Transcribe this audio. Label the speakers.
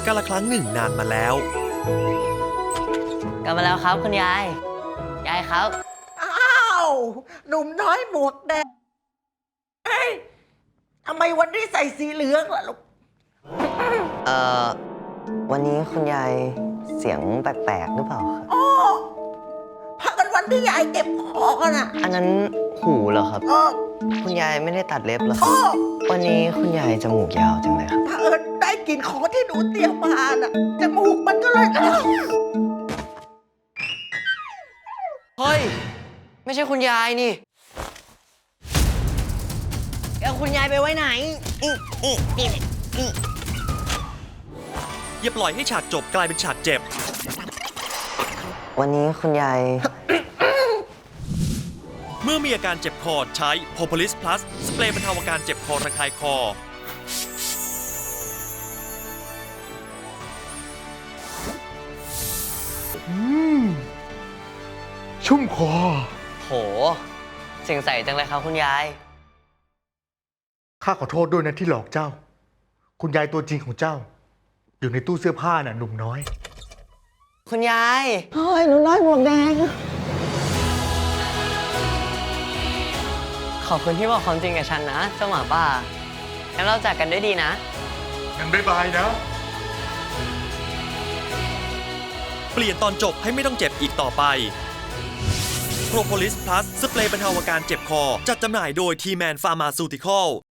Speaker 1: กาลครั้งหนึ่งนานมาแล้ว
Speaker 2: กลับมาแล้วครับคุณยาย ยายครับ
Speaker 3: อ้าวหนุ่มน้อยหมวกแดงเอ้ยทำไมวันนี้ใส่สีเหลืองล่ะลูก
Speaker 2: เอ่อ วันนี้คุณยายเสียงแปลกๆหรือเปล่าครับ
Speaker 3: อ๋อพักกันวันที่ยายเจ็บคอกันอ่ะ
Speaker 2: อันนั้นหูเหรอครับ
Speaker 3: อ๋อ
Speaker 2: คุณยายไม่ได้ตัดเล็บเหรอค
Speaker 3: อ๋
Speaker 2: รั
Speaker 3: อบ
Speaker 2: วันนี้คุณยายจมูกยาวจังเลยครับ
Speaker 3: พักได้กลิ่นของที่หนูเตรียมมาน่ะจมูกมันก็เลย
Speaker 2: เฮ้ย ไม่ใช่คุณยายนี่แล้วคุณยายไปไว้ไหน
Speaker 1: อย่าปล่อยให้ฉากจบกลายเป็นฉากเจ็บ
Speaker 2: วันนี้คุณยาย
Speaker 1: เมื่อมีอาการเจ็บคอใช้ Propolis Plus สเปรย์บรรเทาอาการเจ็บคอระคายคอ
Speaker 4: ชุ่มคอ
Speaker 2: โห เสียงใสจังเลยครับคุณยาย
Speaker 4: ข้าขอโทษด้วยนะที่หลอกเจ้า คุณยายตัวจริงของเจ้า อยู่ในตู้เสื้อผ้าน่ะหนุ่มน้อย
Speaker 2: คุณยาย
Speaker 3: โอ้ยหนูน้อยหมวกแดง
Speaker 2: ขอบคุณที่บอกความจริงกับฉันนะเจ้าหมาป่างั้นเราจากกันด้วยดีนะ
Speaker 4: งั้นบ๊ายบายนะ
Speaker 1: เปลี่ยนตอนจบให้ไม่ต้องเจ็บอีกต่อไป Propolis Plus สเปรย์บรรเทาอาการเจ็บคอ จัดจำหน่ายโดย T-Man Pharmaceutical